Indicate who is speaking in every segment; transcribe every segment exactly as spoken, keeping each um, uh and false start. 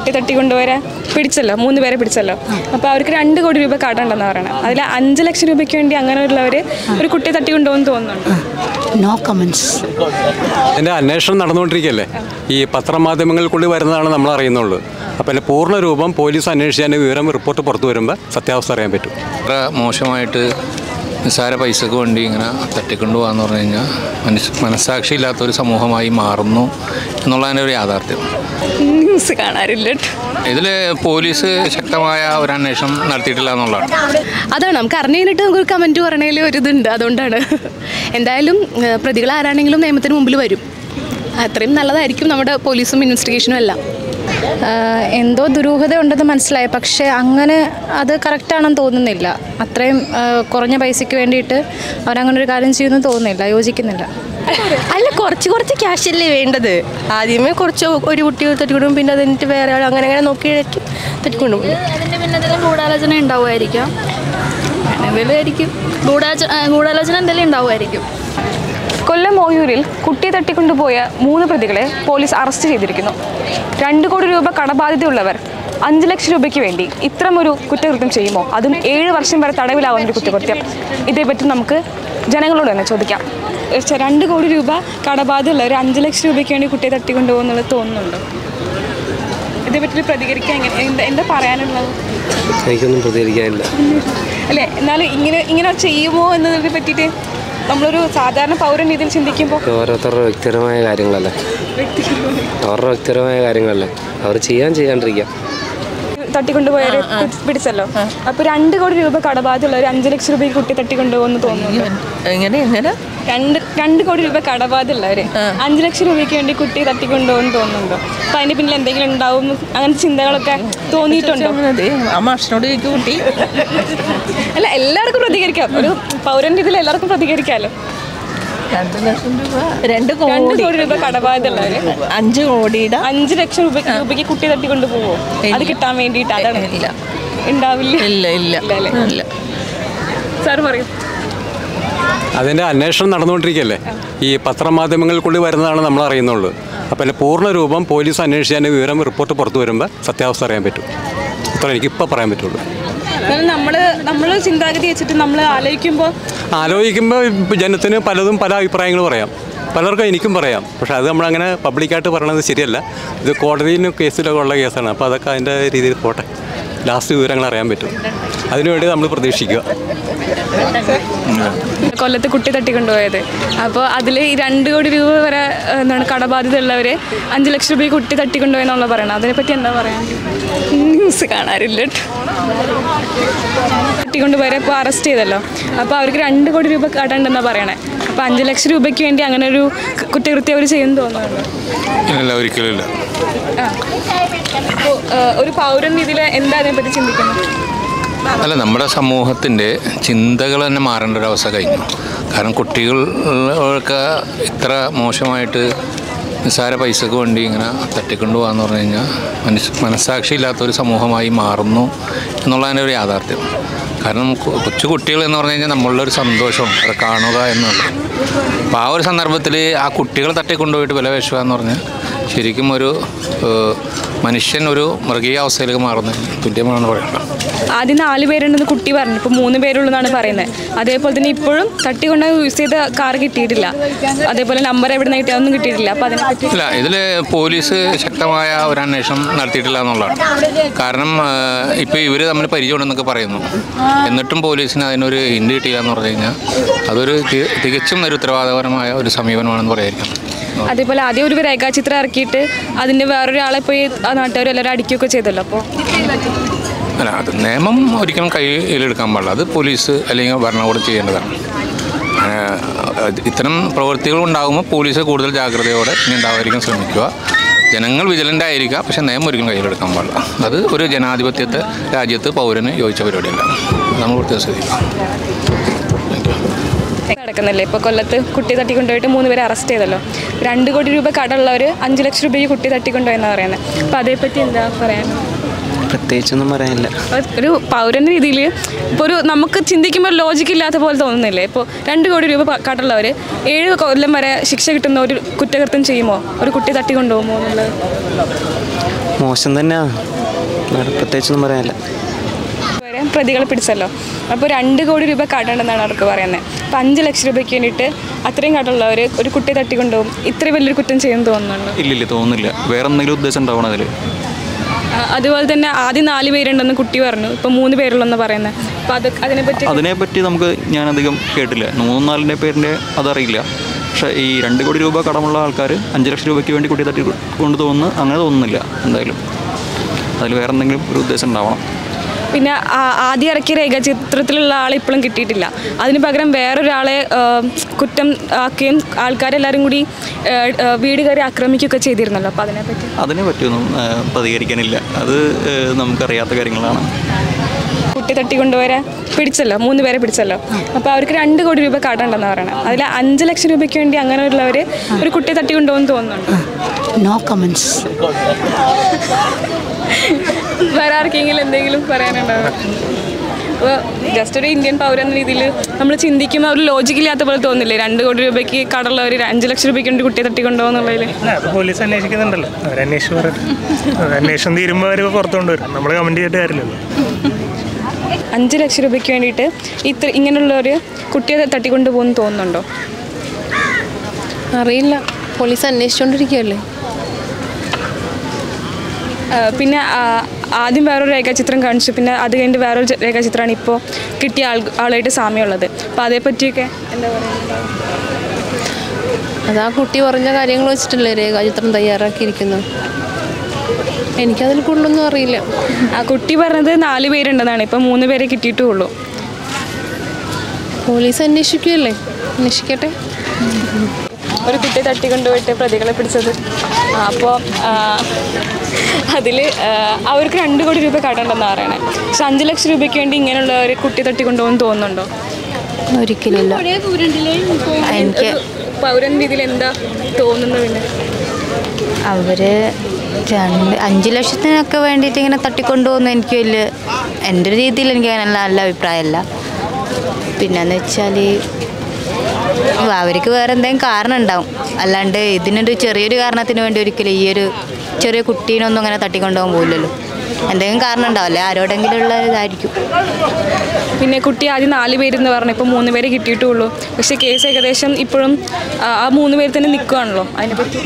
Speaker 1: കുട്ടി തട്ടിക്കൊണ്ടുവരെ പിടിച്ചല്ലോ, മൂന്ന് പേരെ പിടിച്ചല്ലോ. അപ്പോൾ അവർക്ക് രണ്ട് കോടി രൂപ കടമുണ്ടെന്ന് പറയണം. അതിൽ അഞ്ച് ലക്ഷം രൂപയ്ക്ക് വേണ്ടി അങ്ങനെയുള്ളവർ ഒരു കുട്ടിയെ തട്ടിക്കൊണ്ടുപോകുമെന്ന് തോന്നുന്നുണ്ട്.
Speaker 2: No comments.
Speaker 3: എൻ്റെ അന്വേഷണം നടന്നുകൊണ്ടിരിക്കുകയല്ലേ. ഈ പത്രമാധ്യമങ്ങൾക്കുള്ളിൽ വരുന്നതാണ് നമ്മൾ അറിയുന്നുള്ളൂ. അപ്പോൾ എൻ്റെ പൂർണ്ണ രൂപം പോലീസ് അന്വേഷിച്ച് വിവരം റിപ്പോർട്ട് പുറത്തു വരുമ്പോൾ സത്യാവസ്ഥ അറിയാൻ പറ്റും.
Speaker 4: അത്ര മോശമായിട്ട് നിസ്സാര പൈസക്ക് വേണ്ടി ഇങ്ങനെ തട്ടിക്കൊണ്ടു പോകാന്ന് പറഞ്ഞു കഴിഞ്ഞാൽ മനുഷ്യ മനസ്സാക്ഷി ഇല്ലാത്തൊരു സമൂഹമായി മാറുന്നു എന്നുള്ളതിൻ്റെ ഒരു യാഥാർത്ഥ്യം.
Speaker 1: ന്യൂസ് കാണാറില്ല.
Speaker 4: ഇതിൽ പോലീസ് ശക്തമായ ഒരു അന്വേഷണം നടത്തിയിട്ടില്ല എന്നുള്ളതാണ്.
Speaker 5: അതാണ് നമുക്ക് അറിഞ്ഞു കഴിഞ്ഞിട്ട് നമുക്കൊരു കമൻറ്റ് പറയണതിൽ ഒരു ഇതുണ്ട്. അതുകൊണ്ടാണ് എന്തായാലും പ്രതികൾ ആരാണെങ്കിലും നിയമത്തിന് മുമ്പിൽ വരും. അത്രയും നല്ലതായിരിക്കും നമ്മുടെ പോലീസും ഇൻവെസ്റ്റിഗേഷനും എല്ലാം.
Speaker 6: എന്തോ ദുരൂഹത ഉണ്ടെന്ന് മനസ്സിലായി, പക്ഷേ അങ്ങനെ അത് കറക്റ്റാണെന്ന് തോന്നുന്നില്ല. അത്രയും കുറഞ്ഞ പൈസയ്ക്ക് വേണ്ടിയിട്ട് അവരങ്ങനെ ഒരു കാര്യം ചെയ്യുമെന്ന് തോന്നുന്നില്ല, യോജിക്കുന്നില്ല.
Speaker 5: അല്ല, കുറച്ച് കുറച്ച് ക്യാഷ് അല്ലേ വേണ്ടത്. ആദ്യമേ കുറച്ച് ഒരു കുട്ടി തട്ടിക്കൊണ്ടും പിന്നെ അതിൻ്റെ വേറെ ആൾ അങ്ങനെ അങ്ങനെ നോക്കി തട്ടിക്കൊണ്ടും
Speaker 7: അതിൻ്റെ പിന്നെ എന്തെങ്കിലും ഗൂഢാലോചന ഉണ്ടാവുമായിരിക്കാം. എന്തെങ്കിലും ആയിരിക്കും ഗൂഢാലോചന ഗൂഢാലോചന എന്തെങ്കിലും ഉണ്ടാവുമായിരിക്കും.
Speaker 1: കൊല്ലം ഓയൂരിൽ കുട്ടിയെ തട്ടിക്കൊണ്ടുപോയ മൂന്ന് പ്രതികളെ പോലീസ് അറസ്റ്റ് ചെയ്തിരിക്കുന്നു. രണ്ട് കോടി രൂപ കടബാധ്യതയുള്ളവർ അഞ്ച് ലക്ഷം രൂപയ്ക്ക് വേണ്ടി ഇത്തരമൊരു കുറ്റകൃത്യം ചെയ്യുമോ? അതും ഏഴ് വർഷം വരെ തടവിലാവുന്നൊരു കുറ്റകൃത്യം. ഇതേപ്പറ്റി നമുക്ക് ജനങ്ങളോട് തന്നെ ചോദിക്കാം. രണ്ട് കോടി രൂപ കടബാധ്യതയുള്ളവർ അഞ്ച് ലക്ഷം രൂപയ്ക്ക് വേണ്ടി കുട്ടിയെ തട്ടിക്കൊണ്ടുപോകുന്നുള്ളത് തോന്നുന്നുണ്ടോ? ഇതേപ്പറ്റി പ്രതികരിക്കാൻ എങ്ങനെ എന്താ എന്താ പറയാനുള്ളത്?
Speaker 8: എനിക്കൊന്നും പ്രതികരിക്കാനില്ല.
Speaker 1: അല്ലേ, എന്നാലും ഇങ്ങനെ ഇങ്ങനെ ചെയ്യുമോ എന്നതിനെ പറ്റിയിട്ട് നമ്മളൊരു സാധാരണ പൗരൻ ഇതിൽ ചിന്തിക്കുമ്പോൾ
Speaker 8: ഓരോരുത്തരുടെ വ്യക്തിപരമായ കാര്യങ്ങളല്ലേ അവരുടെ വ്യക്തിപരമായ കാര്യങ്ങളല്ലേ അവർ ചെയ്യാൻ ചെയ്യാണ്ടിരിക്കാം.
Speaker 1: തട്ടിക്കൊണ്ടുപോയവരെ പിടിച്ചല്ലോ. അപ്പൊ രണ്ട് കോടി രൂപ കടബാധ്യതയുള്ള ഒരു അഞ്ചു ലക്ഷം രൂപയ്ക്ക് കുട്ടി തട്ടിക്കൊണ്ടുപോകുന്നു തോന്നുന്നു. രണ്ട് രണ്ട് കോടി രൂപ കടബാധ്യതയുള്ളവര് അഞ്ചു ലക്ഷം രൂപയ്ക്ക് വേണ്ടി കുട്ടി തട്ടിക്കൊണ്ടുപോകുന്നു തോന്നുന്നുണ്ടോ? അപ്പൊ അതിന്റെ പിന്നിൽ എന്തെങ്കിലും ഉണ്ടാവും അങ്ങനത്തെ ചിന്തകളൊക്കെ തോന്നിയിട്ടുണ്ടോ? അല്ല, എല്ലാവർക്കും പ്രതികരിക്കാം. ഒരു പൗരന്റെ ഇതിൽ എല്ലാവർക്കും പ്രതികരിക്കാമല്ലോ. രണ്ട് കോടി രൂപ കടബാധ്യതയുള്ളവര്
Speaker 5: അഞ്ച് കോടിയുടെ
Speaker 1: അഞ്ചു ലക്ഷം രൂപ രൂപയ്ക്ക് കുട്ടി തട്ടിക്കൊണ്ടു പോവോ? അത് കിട്ടാൻ വേണ്ടിയിട്ട് അതാണ് ഉണ്ടാവില്ല.
Speaker 5: ഇല്ല ഇല്ല ഇല്ല
Speaker 1: സാർ പറയും.
Speaker 3: അതിൻ്റെ അന്വേഷണം നടന്നുകൊണ്ടിരിക്കുകയല്ലേ. ഈ പത്രമാധ്യമങ്ങൾക്കുള്ളിൽ വരുന്നതാണ് നമ്മൾ അറിയുന്നുള്ളൂ. അപ്പോൾ എൻ്റെ പൂർണ്ണ രൂപം പോലീസ് അന്വേഷിച്ച് വിവരം റിപ്പോർട്ട് പുറത്തു വരുമ്പോൾ സത്യാവസ്ഥ അറിയാൻ പറ്റും. അത്ര എനിക്കിപ്പോൾ പറയാൻ പറ്റുള്ളൂ.
Speaker 1: നമ്മൾ നമ്മൾ ചിന്താഗതി വെച്ചിട്ട് നമ്മൾ ആലോചിക്കുമ്പോൾ
Speaker 3: ആലോചിക്കുമ്പോൾ ജനത്തിന് പലതും പല അഭിപ്രായങ്ങൾ പറയാം. പലർക്കും എനിക്കും പറയാം. പക്ഷേ അത് നമ്മളങ്ങനെ പബ്ലിക്കായിട്ട് പറയണത് ശരിയല്ല. ഇത് കോടതിയിലും കേസിലൊക്കെ ഉള്ള കേസാണ്. അപ്പോൾ അതൊക്കെ അതിൻ്റെ രീതിയിൽ പോട്ടെ. ലാസ്റ്റ് വിവരങ്ങൾ അറിയാൻ പറ്റും. അതിനുവേണ്ടി നമ്മൾ പ്രതീക്ഷിക്കുക.
Speaker 1: കൊല്ലത്ത് കുട്ടി തട്ടിക്കൊണ്ടുപോയത്, അപ്പോൾ അതിൽ ഈ രണ്ട് കോടി രൂപ വരെ എന്താണ് കടബാധ്യത ഉള്ളവർ അഞ്ച് ലക്ഷം രൂപ കുട്ടി തട്ടിക്കൊണ്ടുപോയെന്നുള്ള പറയണം. അതിനെപ്പറ്റി എന്താ പറയാൻ? ന്യൂസ് കാണാറില്ല. തട്ടിക്കൊണ്ടുപോയവരെ ഇപ്പോൾ അറസ്റ്റ് ചെയ്തല്ലോ. അപ്പോൾ അവർക്ക് രണ്ട് കോടി രൂപ കടമുണ്ടെന്നാണ് പറയണേ. അപ്പോൾ അഞ്ച് ലക്ഷം രൂപയ്ക്ക് വേണ്ടി അങ്ങനെ ഒരു കുറ്റകൃത്യം അവർ ചെയ്യുമെന്ന് തോന്നുന്നുണ്ട്.
Speaker 4: ഒരിക്കലും.
Speaker 1: അപ്പോൾ ഒരു പൗരൻ ഇതിൽ എന്താ അതിനെപ്പറ്റി ചിന്തിക്കുന്നത്?
Speaker 4: അല്ല, നമ്മുടെ സമൂഹത്തിൻ്റെ ചിന്തകൾ തന്നെ മാറേണ്ട ഒരു അവസ്ഥ കഴിഞ്ഞു. കാരണം കുട്ടികൾക്ക് ഇത്ര മോശമായിട്ട് നിസ്സാര പൈസക്ക് വേണ്ടി ഇങ്ങനെ തട്ടിക്കൊണ്ടു പോകാന്ന് പറഞ്ഞു കഴിഞ്ഞാൽ മനുഷ്യ മനസ്സാക്ഷി ഇല്ലാത്തൊരു സമൂഹമായി മാറുന്നു എന്നുള്ളതിൻ്റെ ഒരു യാഥാർത്ഥ്യം. കാരണം കൊച്ചു കുട്ടികൾ എന്ന് പറഞ്ഞു കഴിഞ്ഞാൽ നമ്മളുടെ ഒരു സന്തോഷം അത് കാണുക എന്നുള്ളത്. അപ്പോൾ ആ ഒരു സന്ദർഭത്തിൽ ആ കുട്ടികൾ തട്ടിക്കൊണ്ടുപോയിട്ട് വില വേശുക എന്ന് പറഞ്ഞാൽ ശരിക്കും ഒരു മനുഷ്യൻ ഒരു മൃഗീയ അവസ്ഥയിലേക്ക് മാറുന്നത് തുല്യമാണെന്ന് പറയുന്നത്.
Speaker 1: ആദ്യം നാല് പേരുണ്ടെന്ന് കുട്ടി പറഞ്ഞു, ഇപ്പോൾ മൂന്ന് പേരുള്ളതെന്നാണ് പറയുന്നത്. അതേപോലെ തന്നെ ഇപ്പോഴും തട്ടിക്കൊണ്ട് യൂസ് ചെയ്ത കാർ കിട്ടിയിട്ടില്ല. അതേപോലെ നമ്പർ എവിടെ നിന്ന് കിട്ടിയ ഒന്നും കിട്ടിയിട്ടില്ല. അപ്പോൾ അതിനെ
Speaker 4: ഇല്ല, ഇതിൽ പോലീസ് ശക്തമായ ഒരു അന്വേഷണം നടത്തിയിട്ടില്ല എന്നുള്ളതാണ്. കാരണം ഇപ്പോൾ ഇവർ തമ്മിൽ പരിചയമുണ്ടെന്നൊക്കെ പറയുന്നു. എന്നിട്ടും പോലീസിന് അതിനൊരു ഹിൻഡ് കിട്ടിയില്ല എന്ന് പറഞ്ഞു കഴിഞ്ഞാൽ അതൊരു തികച്ചും ഒരു ഉത്തരവാദപരമായ ഒരു സമീപനമാണെന്ന് പറയായിരിക്കും.
Speaker 1: അതേപോലെ ആദ്യം ഒരു രേഖാചിത്രം ഇറക്കിയിട്ട് അതിൻ്റെ വേറൊരാളെ പോയി ആ നാട്ടുകാർ എല്ലാവരും അടിക്കുകയൊക്കെ ചെയ്തല്ലോ. അപ്പോൾ
Speaker 4: അല്ല, അത് നിയമം ഒരിക്കലും കയ്യിലെടുക്കാൻ പാടില്ല. അത് പോലീസ് അല്ലെങ്കിൽ ഭരണകൂടം ചെയ്യേണ്ടതാണ്. ഇത്തരം പ്രവൃത്തികൾ ഉണ്ടാകുമ്പോൾ പോലീസ് കൂടുതൽ ജാഗ്രതയോടെ ഇനി ഉണ്ടാവാതിരിക്കാൻ ശ്രമിക്കുക. ജനങ്ങൾ വിജിലൻ്റ് ആയിരിക്കുക, പക്ഷേ നിയമം ഒരിക്കലും കയ്യിലെടുക്കാൻ പാടില്ല. അത് ഒരു ജനാധിപത്യത്തെ രാജ്യത്ത് പൗരന് യോജിച്ച പരിപാടിയല്ല. നമ്മൾ പ്രത്യേകം ശ്രദ്ധിക്കുക.
Speaker 1: നടക്കുന്നില്ലേ ഇപ്പോൾ കൊല്ലത്ത് കുട്ടി തട്ടിക്കൊണ്ടുപോയിട്ട് മൂന്ന് പേരെ അറസ്റ്റ് ചെയ്തല്ലോ. രണ്ട് കോടി രൂപ കടമുള്ളവർ അഞ്ച് ലക്ഷം രൂപയ്ക്ക് കുട്ടി തട്ടിക്കൊണ്ടുപോയെന്നാണ് പറയുന്നത്. അപ്പോൾ അതേപ്പറ്റി എന്താ പറയാൻ?
Speaker 8: പ്രത്യേകിച്ചൊന്നും പറയാനില്ല.
Speaker 1: ഒരു പൗരൻ്റെ രീതിയിൽ ഇപ്പോൾ ഒരു നമുക്ക് ചിന്തിക്കുമ്പോൾ ലോജിക്ക് ഇല്ലാത്ത പോലെ തോന്നുന്നില്ലേ? ഇപ്പോൾ രണ്ട് കോടി രൂപ കടമുള്ളവർ ഏഴ് കൊല്ലം വരെ ശിക്ഷ കിട്ടുന്ന ഒരു കുറ്റകൃത്യം ചെയ്യുമോ? ഒരു കുട്ടി തട്ടിക്കൊണ്ടുപോകുമോ എന്നുള്ളത്
Speaker 2: മോശം തന്നെയാണ്, പ്രത്യേകിച്ചൊന്നും പറയാനില്ല.
Speaker 1: വരെ പ്രതികളെ പിടിച്ചല്ലോ, അപ്പോൾ രണ്ട് കോടി രൂപ കടമുണ്ടെന്നാണ് അവർക്ക് പറയുന്നത്. അപ്പോൾ അഞ്ച് ലക്ഷം രൂപയ്ക്ക് വേണ്ടിയിട്ട് അത്രയും കടമുള്ളവർ ഒരു കുട്ടിയെ തട്ടിക്കൊണ്ടുപോകും. ഇത്രയും വലിയൊരു കുറ്റം ചെയ്യുമെന്ന് തോന്നുന്നുണ്ട്?
Speaker 9: ഇല്ലില്ല, തോന്നുന്നില്ല. വേറെ എന്തെങ്കിലും ഉദ്ദേശം ഉണ്ടാവണം അതിൽ.
Speaker 1: അതുപോലെ തന്നെ ആദ്യം നാല് പേരുണ്ടെന്ന് കുട്ടി പറഞ്ഞു, ഇപ്പോൾ മൂന്ന് പേരുള്ളെന്ന് പറയുന്നത്. അപ്പോൾ അത് അതിനെപ്പറ്റി
Speaker 9: അതിനെപ്പറ്റി നമുക്ക് ഞാനധികം കേട്ടില്ല. മൂന്നും നാലിൻ്റെ പേരിൻ്റെ അതറിയില്ല. പക്ഷേ ഈ രണ്ട് കോടി രൂപ കടമുള്ള ആൾക്കാർ അഞ്ച് ലക്ഷം രൂപയ്ക്ക് വേണ്ടി കുട്ടിയെ തട്ടി കൊണ്ട് തോന്നുന്നു അങ്ങനെ തോന്നുന്നില്ല. എന്തായാലും അതിൽ വേറെ എന്തെങ്കിലും ഒരു ഉദ്ദേശം ഉണ്ടാവണം.
Speaker 1: പിന്നെ ആദ്യം ഇറക്കിയ രേഖാചിത്രത്തിലുള്ള ആളെ ഇപ്പോഴും കിട്ടിയിട്ടില്ല. അതിന് പകരം വേറൊരാളെ കുറ്റം ആക്കുകയും ആൾക്കാരെല്ലാവരും കൂടി വീട് കയറി ആക്രമിക്കുകയൊക്കെ ചെയ്തിരുന്നല്ലോ. അപ്പോൾ അതിനെപ്പറ്റി
Speaker 9: അതിനെ പറ്റിയൊന്നും പ്രതികരിക്കാനില്ല. അത് നമുക്കറിയാത്ത കാര്യങ്ങളാണ്.
Speaker 1: കുട്ടി തട്ടിക്കൊണ്ടുവരെ പിടിച്ചല്ലോ, മൂന്ന് പേരെ പിടിച്ചല്ലോ. അപ്പോൾ അവർക്ക് രണ്ട് കോടി രൂപ കടമുണ്ടെന്ന് പറയണം. അതിൽ അഞ്ച് ലക്ഷം രൂപയ്ക്ക് വേണ്ടി അങ്ങനെയുള്ളവർ ഒരു കുട്ടിയെ തട്ടിക്കൊണ്ടുപോകുമെന്ന് തോന്നുന്നുണ്ട്?
Speaker 10: No comments.
Speaker 1: വേറെ ആർക്കെങ്കിലും എന്തെങ്കിലും പറയാനുണ്ടാവും? അപ്പോൾ ജസ്റ്റ് ഒരു ഇന്ത്യൻ പൗരൻ എന്ന രീതിയിൽ നമ്മൾ ചിന്തിക്കുമ്പോൾ ഒരു ലോജിക്കില്ലാത്ത പോലെ തോന്നില്ലേ? രണ്ട് കോടി രൂപയ്ക്ക് കടമുള്ളവർ അഞ്ച് ലക്ഷം രൂപയ്ക്ക് വേണ്ടി കുട്ടിയെ തട്ടിക്കൊണ്ടുപോകുന്നുള്ളതിൽ
Speaker 11: പോലീസ് അന്വേഷിക്കുന്നുണ്ടല്ലോ, അവർ അന്വേഷിച്ച് പറയും. അന്വേഷണം തീരുമ്പോൾ അവർ പുറത്തു കൊണ്ടുവരും, നമ്മൾ കമൻറ്റ് ചെയ്തിട്ട് കാര്യമില്ലല്ലോ.
Speaker 1: അഞ്ച് ലക്ഷം രൂപയ്ക്ക് വേണ്ടിയിട്ട് ഇത്ര ഇങ്ങനെയുള്ളവർ കുട്ടിയെ തട്ടിക്കൊണ്ടു പോകുന്നു തോന്നുന്നുണ്ടോ?
Speaker 5: അറിയില്ല, പോലീസ് അന്വേഷിച്ചുകൊണ്ടിരിക്കുകയല്ലേ.
Speaker 1: പിന്നെ ആദ്യം വേറൊരു രേഖാചിത്രം കാണിച്ചു, പിന്നെ അത് കഴിഞ്ഞിട്ട് വേറൊരു രേഖാചിത്രമാണ് ഇപ്പോൾ കിട്ടിയ ആൾ ആളായിട്ട് സാമ്യമുള്ളത്. അപ്പോൾ അതേപ്പറ്റിയൊക്കെ എന്താ പറയുക?
Speaker 5: അത് ആ കുട്ടി പറഞ്ഞ കാര്യങ്ങൾ വെച്ചിട്ടല്ലേ രേഖാചിത്രം തയ്യാറാക്കിയിരിക്കുന്നത്. എനിക്കതിൽ കൂടുതലൊന്നും അറിയില്ല.
Speaker 1: ആ കുട്ടി പറഞ്ഞത് നാല് പേരുണ്ടെന്നാണ്, ഇപ്പം മൂന്ന് പേരെ കിട്ടിയിട്ടുള്ളൂ.
Speaker 5: പോലീസ് അന്വേഷിക്കുകയല്ലേ, അന്വേഷിക്കട്ടെ.
Speaker 1: ഒരു കുട്ടിയെ തട്ടിക്കൊണ്ടുപോയിട്ട് പ്രതികളെ പിടിച്ചത്. അപ്പോൾ അതിൽ അവർക്ക് രണ്ട് കോടി രൂപ കടമുണ്ടെന്നാണ് പറയണേ. പക്ഷെ അഞ്ച് ലക്ഷം രൂപയ്ക്ക് വേണ്ടി ഇങ്ങനെയുള്ള ഒരു കുട്ടിയെ തട്ടിക്കൊണ്ടുപോകുമെന്ന് തോന്നുന്നുണ്ടോ?
Speaker 10: ഒരിക്കലില്ല. എനിക്ക്
Speaker 1: പൗരൻ രീതിയിൽ എന്താ തോന്നുന്നത്? പിന്നെ
Speaker 10: അവർ രണ്ട് അഞ്ച് ലക്ഷത്തിനൊക്കെ വേണ്ടിയിട്ട് ഇങ്ങനെ തട്ടിക്കൊണ്ടുപോകുന്ന എനിക്ക് വലിയ എൻ്റെ ഒരു രീതിയിൽ എനിക്ക് അങ്ങനെ നല്ല അഭിപ്രായമല്ല. പിന്നെന്ന് വെച്ചാൽ അവർക്ക് വേറെ എന്തെങ്കിലും കാരണം ഉണ്ടാവും, അല്ലാണ്ട് ഇതിനൊരു ചെറിയൊരു കാരണത്തിന് വേണ്ടി ഒരിക്കലും ഈ ഒരു ചെറിയ കുട്ടീനൊന്നും അങ്ങനെ തട്ടിക്കൊണ്ടുപോകാൻ പോകില്ലല്ലോ. എന്തെങ്കിലും കാരണം ഉണ്ടാവില്ലേ, ആരോടെങ്കിലും ഉള്ള ഇതായിരിക്കും.
Speaker 1: പിന്നെ കുട്ടി ആദ്യം നാല് പേരെന്ന് പറഞ്ഞു, ഇപ്പോൾ മൂന്ന് പേരെ കിട്ടിയിട്ടുള്ളൂ. പക്ഷേ കേസ് ഏകദേശം ഇപ്പോഴും ആ മൂന്ന് പേര് തന്നെ നിൽക്കുകയാണല്ലോ. അതിനെപ്പറ്റി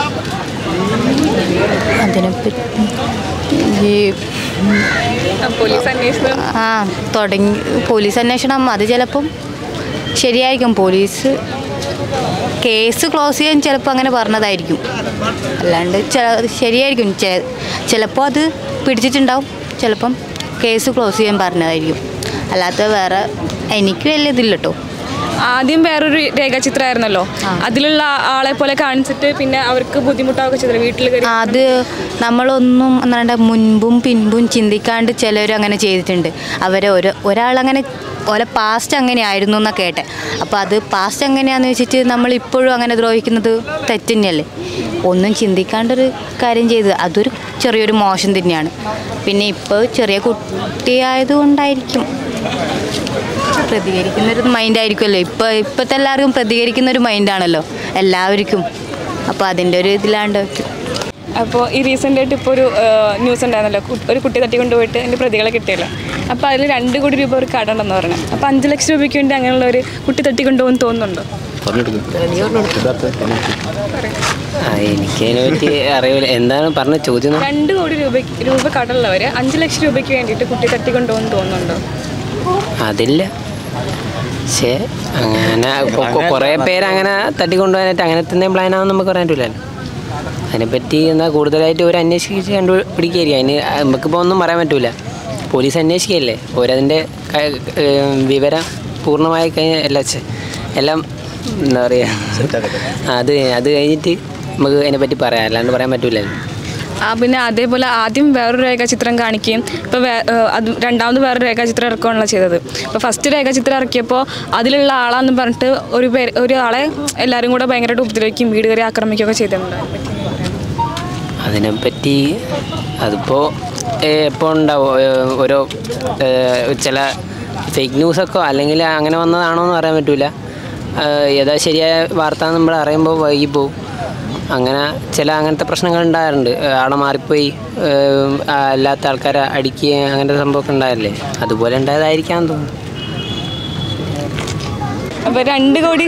Speaker 10: അതിനെപ്പറ്റി ഈ
Speaker 1: പോലീസ് അന്വേഷണം
Speaker 10: ആ തുടങ്ങി പോലീസ് അന്വേഷണം അത് ചിലപ്പം ശരിയായിരിക്കും. പോലീസ് കേസ് ക്ലോസ് ചെയ്യാൻ ചിലപ്പോൾ അങ്ങനെ പറഞ്ഞതായിരിക്കും, അല്ലാണ്ട് ശരിയായിരിക്കും. ചിലപ്പോൾ അത് പിടിച്ചിട്ടുണ്ടാവും, ചിലപ്പം കേസ് ക്ലോസ് ചെയ്യാൻ പറഞ്ഞതായിരിക്കും, അല്ലാത്ത വേറെ എനിക്ക് വലിയ ഇതില്ല കേട്ടോ.
Speaker 1: ആദ്യം വേറൊരു രേഖാചിത്രമായിരുന്നല്ലോ, അതിലുള്ള ആളെ പോലെ കാണിച്ചിട്ട് പിന്നെ അവർക്ക് ബുദ്ധിമുട്ടാവുക ചെയ്തില്ല വീട്ടിൽ.
Speaker 10: അത് നമ്മളൊന്നും എന്താ മുൻപും പിൻപും ചിന്തിക്കാണ്ട് ചിലർ അങ്ങനെ ചെയ്തിട്ടുണ്ട്. അവരെ ഒരു ഒരാളങ്ങനെ ഓലെ പാസ്റ്റ് അങ്ങനെയായിരുന്നു എന്നാണ് കേട്ടെ. അപ്പോൾ അത് പാസ്റ്റ് എങ്ങനെയാണെന്ന് വെച്ചിട്ട് നമ്മളിപ്പോഴും അങ്ങനെ ദ്രോഹിക്കുന്നത് തെറ്റ് തന്നെയല്ലേ. ഒന്നും ചിന്തിക്കാണ്ടൊരു കാര്യം ചെയ്ത് അതൊരു ചെറിയൊരു മോശം തന്നെയാണ്. പിന്നെ ഇപ്പോൾ ചെറിയ കുട്ടിയായതുകൊണ്ടായിരിക്കും പ്രതികരിക്കുന്നൊരു മൈൻഡായിരിക്കുമല്ലോ. ഇപ്പോൾ ഇപ്പോഴത്തെ എല്ലാവർക്കും പ്രതികരിക്കുന്നൊരു മൈൻഡാണല്ലോ എല്ലാവർക്കും. അപ്പോൾ അതിൻ്റെ ഒരു ഇതിലാണ്ട് വയ്ക്കും.
Speaker 1: അപ്പോൾ ഈ റീസെൻ്റായിട്ട് ഇപ്പോൾ ഒരു ന്യൂസ് ഉണ്ടായിരുന്നല്ലോ, ഒരു കുട്ടി തട്ടിക്കൊണ്ടുപോയിട്ട് അതിൻ്റെ പ്രതികളെ കിട്ടിയല്ലോ. അപ്പോൾ അതിൽ രണ്ട് കോടി രൂപ ഒരു കടമുണ്ടെന്ന് പറഞ്ഞു. അപ്പോൾ അഞ്ച് ലക്ഷം രൂപയ്ക്ക് വേണ്ടി അങ്ങനെയുള്ള ഒരു കുട്ടി തട്ടിക്കൊണ്ടുപോകുമെന്ന് തോന്നുന്നുണ്ടോ?
Speaker 8: എനിക്കതിനെ പറ്റി അറിയില്ല, എന്താണ് പറഞ്ഞ ചോദ്യം?
Speaker 1: രണ്ട് കോടി രൂപ രൂപ കടമുള്ളവർ അഞ്ച് ലക്ഷം രൂപയ്ക്ക് വേണ്ടിയിട്ട് കുട്ടി തട്ടിക്കൊണ്ടുപോകുമെന്ന് തോന്നുന്നുണ്ടോ?
Speaker 8: അതില്ല, പക്ഷേ അങ്ങനെ കുറേ പേര് അങ്ങനെ തട്ടിക്കൊണ്ടുപോകാനായിട്ട് അങ്ങനത്തെ എന്തെങ്കിലും പ്ലാനാണെന്ന് നമുക്ക് പറയാൻ പറ്റില്ലല്ലോ. അതിനെപ്പറ്റി എന്നാൽ കൂടുതലായിട്ട് ഒരു അന്വേഷിച്ച് കണ്ടുപിടിക്കുകയായിരിക്കും. അതിന് നമുക്കിപ്പോൾ ഒന്നും പറയാൻ പറ്റില്ല. പോലീസ് അന്വേഷിക്കുകയല്ലേ, ഓരതിൻ്റെ വിവരം പൂർണ്ണമായി കഴിഞ്ഞാൽ എല്ലാം എല്ലാം എന്താ പറയുക, അത് അത് കഴിഞ്ഞിട്ട് നമുക്ക് അതിനെപ്പറ്റി പറയാം, അല്ലാണ്ട് പറയാൻ പറ്റില്ലല്ലോ.
Speaker 1: ആ പിന്നെ അതേപോലെ ആദ്യം വേറൊരു രേഖാചിത്രം കാണിക്കുകയും ഇപ്പോൾ അത് രണ്ടാമത് വേറൊരു രേഖാചിത്രം ഇറക്കുകയാണല്ലോ ചെയ്തത്. ഇപ്പോൾ ഫസ്റ്റ് രേഖാചിത്രം ഇറക്കിയപ്പോൾ അതിലുള്ള ആളാന്ന് പറഞ്ഞിട്ട് ഒരു പേര് ഒരാളെ എല്ലാവരും കൂടെ ഭയങ്കരമായിട്ട് ഉപദ്രവിക്കുകയും വീട് കയറി ആക്രമിക്കുകയൊക്കെ ചെയ്തിട്ടുണ്ട്.
Speaker 8: അതിനെപ്പറ്റി അതിപ്പോൾ എപ്പോൾ ഉണ്ടാവും, ഓരോ ചില ഫേക്ക് ന്യൂസൊക്കെ അല്ലെങ്കിൽ അങ്ങനെ വന്നതാണോ എന്ന് പറയാൻ പറ്റില്ല. ഏതാ ശരിയായ വാർത്ത നമ്മൾ അറിയുമ്പോൾ വൈകിപ്പോവും. അങ്ങനെ ചില അങ്ങനത്തെ പ്രശ്നങ്ങൾ ഉണ്ടാകാറുണ്ട്. ആളെ മാറിപ്പോയി അല്ലാത്ത ആൾക്കാരെ അടിക്കുക അങ്ങനത്തെ സംഭവമൊക്കെ ഉണ്ടായല്ലേ, അതുപോലെ ഉണ്ടായതായിരിക്കാം തോന്നുന്നു.
Speaker 1: അപ്പോൾ രണ്ട് കോടി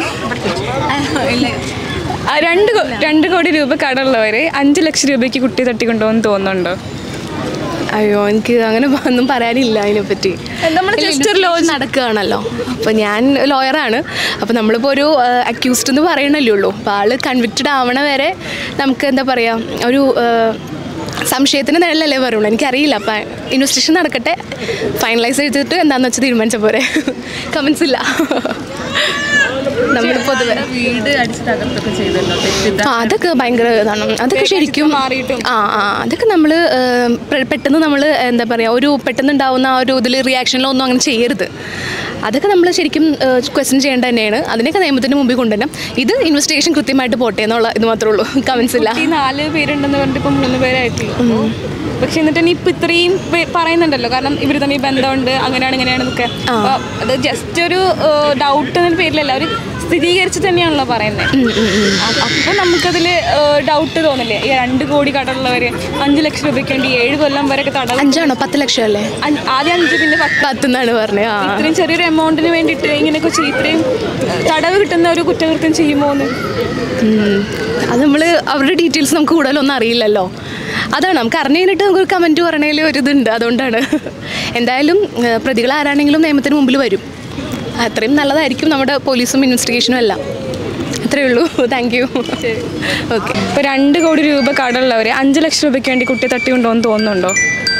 Speaker 1: രണ്ട് രണ്ട് കോടി രൂപ കടമുള്ളവരെ അഞ്ച് ലക്ഷം രൂപയ്ക്ക് കുട്ടി തട്ടിക്കൊണ്ടുപോകുമെന്ന് തോന്നുന്നുണ്ടോ?
Speaker 5: അയ്യോ, എനിക്ക് അങ്ങനെ ഒന്നും പറയാനില്ല അതിനെപ്പറ്റി.
Speaker 1: നമ്മൾ ജസ്റ്റ് ഒരു ലോ
Speaker 5: നടക്കുകയാണല്ലോ. അപ്പോൾ ഞാൻ ലോയറാണ്. അപ്പോൾ നമ്മളിപ്പോൾ ഒരു അക്യൂസ്ഡ് എന്ന് പറയണല്ലേ ഉള്ളൂ. അപ്പോൾ ആൾ കൺവിക്റ്റഡ് ആവണ വരെ നമുക്ക് എന്താ പറയുക, ഒരു സംശയത്തിന് നിഴലല്ലേ പറയുള്ളൂ. എനിക്കറിയില്ല. അപ്പം ഇൻവെസ്റ്റിഗേഷൻ നടക്കട്ടെ, ഫൈനലൈസ് ചെയ്തിട്ട് എന്താണെന്ന് വെച്ചാൽ തീരുമാനിച്ച പോരെ. കമൻസ് ഇല്ല. നമ്മൾ പൊതുവെ
Speaker 1: വീട് അടിച്ച് തകർത്തൊക്കെ ചെയ്തല്ലോ,
Speaker 5: അതൊക്കെ ഭയങ്കര ഇതാണ്. അതൊക്കെ ശരിക്കും ആ ആ അതൊക്കെ നമ്മൾ പെട്ടെന്ന് നമ്മൾ എന്താ പറയുക, ഒരു പെട്ടെന്ന് ഉണ്ടാവുന്ന ആ ഒരു ഇതിൽ റിയാക്ഷനിലൊന്നും അങ്ങനെ ചെയ്യരുത്. അതൊക്കെ നമ്മൾ ശരിക്കും ക്വസ്റ്റ്യൻ ചെയ്യേണ്ട തന്നെയാണ്. അതിനൊക്കെ നിയമത്തിന് മുമ്പിൽ കൊണ്ടുവരണം. ഇത് ഇൻവെസ്റ്റിഗേഷൻ കൃത്യമായിട്ട് പോട്ടെ എന്നുള്ള ഇത് മാത്രമേ ഉള്ളൂ. കമൻസ് ഇല്ല.
Speaker 1: നാല് പേരുണ്ടെന്ന് പറഞ്ഞിട്ട് ഇപ്പം മൂന്ന് പേരായിട്ടുള്ളൂ. പക്ഷെ എന്നിട്ട് തന്നെ ഇപ്പം ഇത്രയും പറയുന്നുണ്ടല്ലോ, കാരണം ഇവർ തമ്മിൽ ബന്ധമുണ്ട്, അങ്ങനെയാണ് ഇങ്ങനെയാണെന്നൊക്കെ. അപ്പോൾ അത് ജസ്റ്റ് ഒരു ഡൗട്ട് എന്ന പേരിലല്ല, അവർ സ്ഥിരീകരിച്ച് തന്നെയാണല്ലോ പറയുന്നത്. അപ്പോൾ നമുക്കതിൽ ഡൗട്ട് തോന്നില്ലേ? ഈ രണ്ട് കോടി കടമുള്ളവർ അഞ്ച് ലക്ഷം രൂപയ്ക്ക് വേണ്ടി ഏഴ് കൊല്ലം വരെയൊക്കെ തടവ്.
Speaker 5: അഞ്ചാണോ പത്ത് ലക്ഷം അല്ലേ?
Speaker 1: ആദ്യം അഞ്ച്, പിന്നെ
Speaker 5: പത്ത് എന്നാണ് പറഞ്ഞത്.
Speaker 1: ഇത്രയും ചെറിയൊരു എമൗണ്ടിന് വേണ്ടിയിട്ട് ഇങ്ങനെയൊക്കെ ചെയ്യും, ഇത്രയും തടവ് കിട്ടുന്ന ഒരു കുറ്റകൃത്യം ചെയ്യുമോ എന്ന്.
Speaker 5: അത് നമ്മൾ അവരുടെ ഡീറ്റെയിൽസ് നമുക്ക് കൂടുതലൊന്നും അറിയില്ലല്ലോ. അതാണ് നമുക്ക് അറിഞ്ഞു കഴിഞ്ഞിട്ട് നമുക്കൊരു കമൻറ്റ് പറയണതിൽ ഒരു ഇതുണ്ട്. അതുകൊണ്ടാണ്. എന്തായാലും പ്രതികൾ ആരാണെങ്കിലും നിയമത്തിന് മുമ്പിൽ വരും. അത്രയും നല്ലതായിരിക്കും നമ്മുടെ പോലീസും ഇൻവെസ്റ്റിഗേഷനും എല്ലാം. അത്രയേ ഉള്ളൂ. Thank you. ഓക്കെ.
Speaker 1: ഇപ്പോൾ രണ്ട് കോടി രൂപ കടമുള്ളവർ അഞ്ച് ലക്ഷം രൂപയ്ക്ക് വേണ്ടി കുട്ടിയെ തട്ടിക്കൊണ്ടുപോകുമെന്ന് തോന്നുന്നുണ്ടോ?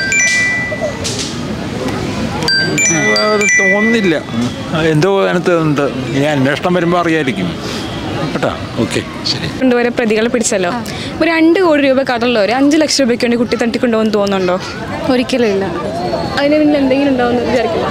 Speaker 12: തോന്നുന്നില്ല. എന്തോ അതിനകത്ത് ഉണ്ട്. ഈ അന്വേഷണം വരുമ്പോൾ അറിയായിരിക്കും കേട്ടോ. ഓക്കെ, ശരി.
Speaker 1: കൊണ്ടുവരെ പ്രതികളെ പിടിച്ചല്ലോ. ഇപ്പോൾ രണ്ട് കോടി രൂപ കടമുള്ളവർ അഞ്ച് ലക്ഷം രൂപയ്ക്ക് വേണ്ടി കുട്ടി തട്ടിക്കൊണ്ടുപോകുമെന്ന് തോന്നുന്നുണ്ടോ?
Speaker 6: ഒരിക്കലും ഇല്ല.
Speaker 1: അതിന് പിന്നിൽ എന്തെങ്കിലും ഉണ്ടാവുമെന്ന് വിചാരിക്കില്ല.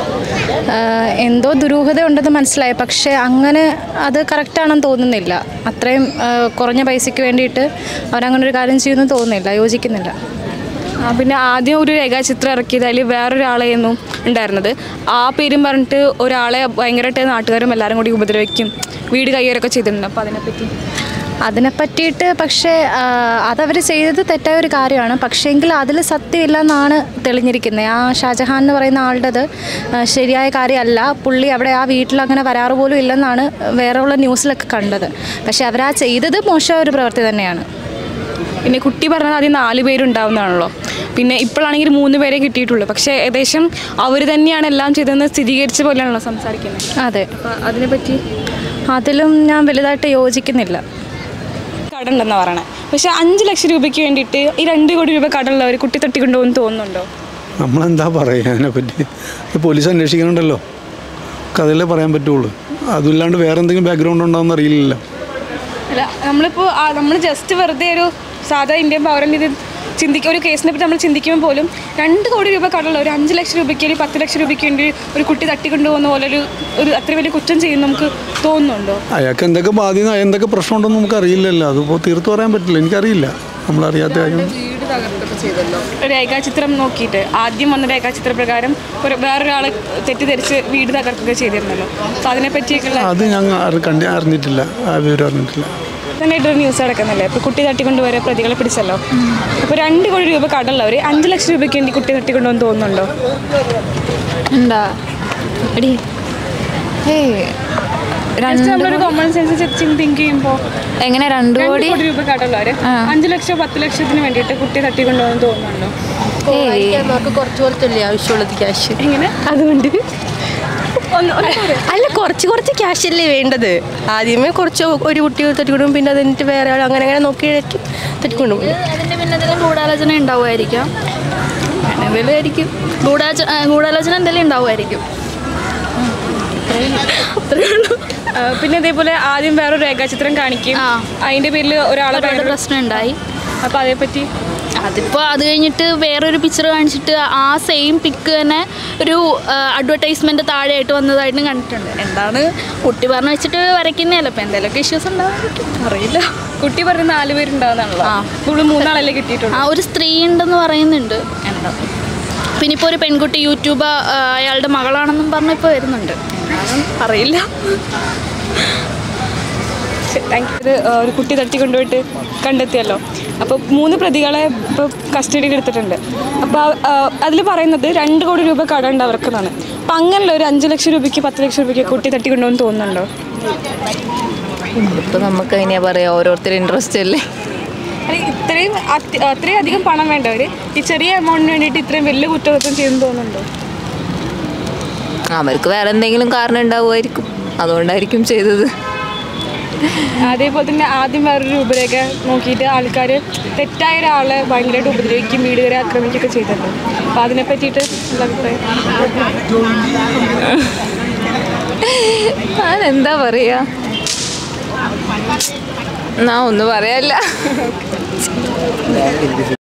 Speaker 6: എന്തോ ദുരൂഹത ഉണ്ടെന്ന് മനസ്സിലായി, പക്ഷേ അങ്ങനെ അത് കറക്റ്റാണെന്ന് തോന്നുന്നില്ല. അത്രയും കുറഞ്ഞ പൈസയ്ക്ക് വേണ്ടിയിട്ട് അവരങ്ങനെ ഒരു കാര്യം ചെയ്യുമെന്ന് തോന്നുന്നില്ല, യോജിക്കുന്നില്ല.
Speaker 1: പിന്നെ ആദ്യം ഒരു രേഖാചിത്രം ഇറക്കിയത് അതിൽ വേറൊരാളെയൊന്നും ഉണ്ടായിരുന്നത്. ആ പേരും പറഞ്ഞിട്ട് ഒരാളെ ഭയങ്കരമായിട്ട് നാട്ടുകാരും എല്ലാവരും കൂടി ഉപദ്രവിക്കും, വീട് കയ്യേറൊക്കെ ചെയ്തിട്ടുണ്ട്. അപ്പോൾ അതിനെപ്പറ്റി
Speaker 6: അതിനെ പറ്റിയിട്ട് പക്ഷേ അതവർ ചെയ്തത് തെറ്റായ ഒരു കാര്യമാണ്. പക്ഷേങ്കിൽ അതിൽ സത്യമില്ല എന്നാണ് തെളിഞ്ഞിരിക്കുന്നത്. ആ ഷാജഹാൻ എന്ന് പറയുന്ന ആളുടേത് ശരിയായ കാര്യമല്ല. പുള്ളി അവിടെ ആ വീട്ടിൽ അങ്ങനെ വരാറ് പോലും ഇല്ലെന്നാണ് വേറെ ഉള്ള ന്യൂസിലൊക്കെ കണ്ടത്. പക്ഷേ അവരാ ചെയ്തത് മോശമായ ഒരു പ്രവൃത്തി തന്നെയാണ്.
Speaker 1: പിന്നെ കുട്ടി പറഞ്ഞത് ആദ്യം നാല് പേരുണ്ടാവുന്നതാണല്ലോ, പിന്നെ ഇപ്പോഴാണെങ്കിൽ മൂന്ന് പേരെ കിട്ടിയിട്ടുള്ളൂ. പക്ഷേ ഏകദേശം അവർ തന്നെയാണ് എല്ലാം ചെയ്തതെന്ന് സ്ഥിരീകരിച്ച പോലെയാണല്ലോ സംസാരിക്കുന്നത്.
Speaker 6: അതെ,
Speaker 1: അതിനെപ്പറ്റി
Speaker 6: അതിലും ഞാൻ വലുതായിട്ട് യോജിക്കുന്നില്ല.
Speaker 1: കടമുണ്ടെന്ന് പറയണേ. പക്ഷേ അഞ്ച് ലക്ഷം രൂപയ്ക്ക് വേണ്ടിയിട്ട് ഈ രണ്ട് കോടി രൂപ കടമുള്ളവർ കുട്ടി തട്ടിക്കൊണ്ടുപോകുമെന്ന് തോന്നുന്നുണ്ടോ?
Speaker 13: നമ്മളെന്താ പറയുക അതിനെപ്പറ്റി? പോലീസ് അന്വേഷിക്കണുണ്ടല്ലോ, കഥയിലേ പറയാൻ പറ്റുള്ളൂ. അതില്ലാണ്ട് വേറെ എന്തെങ്കിലും ബാക്ക്ഗ്രൗണ്ട് ഉണ്ടാവുമെന്ന് അറിയില്ലല്ലോ.
Speaker 1: അല്ല, നമ്മളിപ്പോൾ നമ്മൾ ജസ്റ്റ് വെറുതെ ഒരു സാധാ ഇന്ത്യൻ പൗരൻ ഇത് ചിന്തിക്കുക, ഒരു കേസിനെ പറ്റി നമ്മൾ ചിന്തിക്കുമ്പോൾ പോലും രണ്ട് കോടി രൂപ കടമുള്ള ഒരു അഞ്ച് ലക്ഷം രൂപയ്ക്ക് അല്ലെങ്കിൽ പത്ത് ലക്ഷം രൂപയ്ക്ക് വേണ്ടി ഒരു കുട്ടി തട്ടിക്കൊണ്ടുപോകുന്ന പോലെ ഒരു ഒരു അത്ര വലിയ കുറ്റം ചെയ്യുന്ന നമുക്ക് തോന്നുന്നുണ്ടോ?
Speaker 13: അയാൾക്ക് എന്തൊക്കെ ബാധ്യത, എന്തൊക്കെ പ്രശ്നമുണ്ടെന്ന് നമുക്ക് അറിയില്ലല്ലോ. അതിപ്പോൾ തീർത്ത് പറയാൻ പറ്റില്ല, എനിക്കറിയില്ല. നമ്മളറിയാത്ത കാര്യം.
Speaker 1: വീട് തകർത്തൊക്കെ ചെയ്തല്ലോ, രേഖാചിത്രം നോക്കിയിട്ട് ആദ്യം വന്ന രേഖാചിത്ര പ്രകാരം ഒരു വേറൊരാളെ തെറ്റിദ്ധരിച്ച് വീട് തകർത്തൊക്കെ ചെയ്തിരുന്നല്ലോ. അപ്പോൾ അതിനെപ്പറ്റിയൊക്കെയുള്ള
Speaker 13: അത് ഞങ്ങൾ കണ്ടി അറിഞ്ഞിട്ടില്ല, ആ വിവരം അറിഞ്ഞിട്ടില്ല.
Speaker 1: നന്നായിട്ടൊരു ന്യൂസ് നടക്കുന്നില്ലേ? ഇപ്പോൾ കുട്ടി തട്ടിക്കൊണ്ടുവരെ പ്രതികളെ പിടിച്ചല്ലോ. അപ്പോൾ രണ്ട് കോടി രൂപ കടമുള്ളവർ അഞ്ച് ലക്ഷം രൂപയ്ക്ക് വേണ്ടി കുട്ടി തട്ടിക്കൊണ്ടുവന്ന് തോന്നുന്നുണ്ടോ?
Speaker 6: എന്താ എടി ഏയ്
Speaker 1: നമ്മളൊരു കോമൺ സെൻസ് തിങ്ക് ചെയ്യുമ്പോൾ
Speaker 6: എങ്ങനെ രണ്ട് കോടി
Speaker 1: രൂപ കടമുള്ളവർ അഞ്ച് ലക്ഷം പത്ത് ലക്ഷത്തിന് വേണ്ടിയിട്ട് കുട്ടി തട്ടിക്കൊണ്ടുവന്ന് തോന്നുന്നുണ്ടോ?
Speaker 14: നമുക്ക് കുറച്ച് കുറച്ചല്ലേ ആവശ്യമുള്ളത് ക്യാഷ്.
Speaker 1: എങ്ങനെ?
Speaker 14: അതുകൊണ്ട് അല്ല, കുറച്ച് കുറച്ച് ക്യാഷ് അല്ലേ വേണ്ടത്. ആദ്യമേ കുറച്ച് ഒരു കുട്ടി തട്ടിക്കൊണ്ടും, പിന്നെ അതിൻ്റെ വേറെ ആൾ അങ്ങനെ അങ്ങനെ നോക്കി തട്ടിക്കൊണ്ടും.
Speaker 7: അതിൻ്റെ പിന്നെ എന്തെങ്കിലും ഗൂഢാലോചന ഉണ്ടാവുമായിരിക്കാം. എന്തെങ്കിലും ആയിരിക്കും ഗൂഢാച ഗൂഢാലോചന എന്തെങ്കിലും ഉണ്ടാവുമായിരിക്കും.
Speaker 1: പിന്നെ ഇതേപോലെ ആദ്യം വേറൊരു രേഖാചിത്രം കാണിക്കും, അതിൻ്റെ പേരിൽ ഒരാളെ
Speaker 7: പ്രശ്നം ഉണ്ടായി.
Speaker 1: അപ്പോൾ അതേപ്പറ്റി
Speaker 7: അതിപ്പോൾ അത് കഴിഞ്ഞിട്ട് വേറൊരു പിക്ചർ കാണിച്ചിട്ട് ആ സെയിം പിക്ക് തന്നെ ഒരു അഡ്വർടൈസ്മെൻറ്റ് താഴെയായിട്ട് വന്നതായിട്ടും കണ്ടിട്ടുണ്ട്. എന്താണ് കുട്ടി പറഞ്ഞു വെച്ചിട്ട് വരയ്ക്കുന്നതല്ല, അപ്പോൾ എന്തെങ്കിലുമൊക്കെ ഇഷ്യൂസ് ഉണ്ടാവാൻ അറിയില്ല.
Speaker 1: കുട്ടി പറഞ്ഞ നാല് പേരുണ്ടാവുന്നതാണല്ലോ. ആ ഇവിടെ മൂന്നാളല്ലേ കിട്ടിയിട്ടുണ്ട്.
Speaker 7: ആ ഒരു സ്ത്രീ ഉണ്ടെന്ന് പറയുന്നുണ്ട്. എന്താ പിന്നെ ഇപ്പോൾ ഒരു പെൺകുട്ടി യൂട്യൂബ് അയാളുടെ മകളാണെന്നും പറഞ്ഞ് ഇപ്പോൾ വരുന്നുണ്ട്. എന്താണെന്ന് അറിയില്ല.
Speaker 1: Thank you. ഒരു കുട്ടി തട്ടിക്കൊണ്ടുപോയിട്ട് കണ്ടെത്തിയല്ലോ. അപ്പോൾ മൂന്ന് പ്രതികളെ ഇപ്പോൾ കസ്റ്റഡിയിൽ എടുത്തിട്ടുണ്ട്. അപ്പോൾ അതിൽ പറയുന്നത് രണ്ട് കോടി രൂപ കടമുണ്ട് അവർക്കെന്നാണ്. അപ്പം അങ്ങനെയുള്ള ഒരു അഞ്ച് ലക്ഷം രൂപയ്ക്ക് പത്ത് ലക്ഷം രൂപയ്ക്ക് കുട്ടി തട്ടിക്കൊണ്ടുപോകുമെന്ന് തോന്നുന്നുണ്ടോ?
Speaker 15: ഇപ്പം നമുക്ക് എങ്ങനെയാ പറയുക, ഓരോരുത്തർ ഇൻട്രസ്റ്റ് അല്ലേ.
Speaker 1: ഇത്രയും അത്രയും അധികം പണം വേണ്ടവർ ഈ ചെറിയ എമൗണ്ടിന് വേണ്ടിയിട്ട് ഇത്രയും വലിയ കുറ്റകൃത്യം ചെയ്യുമെന്ന് തോന്നുന്നുണ്ടോ?
Speaker 15: അവർക്ക് വേറെ എന്തെങ്കിലും കാരണം ഉണ്ടാവുമായിരിക്കും, അതുകൊണ്ടായിരിക്കും ചെയ്തത്.
Speaker 1: അതേപോലെ തന്നെ ആദ്യം വേറൊരു രൂപരേഖ നോക്കിയിട്ട് ആൾക്കാർ തെറ്റായ ഒരാളെ ഭയങ്കരമായിട്ട് ഉപദ്രവിക്കും, വീടുകാരെ ആക്രമിക്കുകയൊക്കെ ചെയ്തിട്ടുണ്ട്. അപ്പോൾ അതിനെ പറ്റിയിട്ട് ഉള്ള അഭിപ്രായം?
Speaker 15: അതെന്താ പറയുക, ഞാൻ ഒന്നും പറയാനില്ല.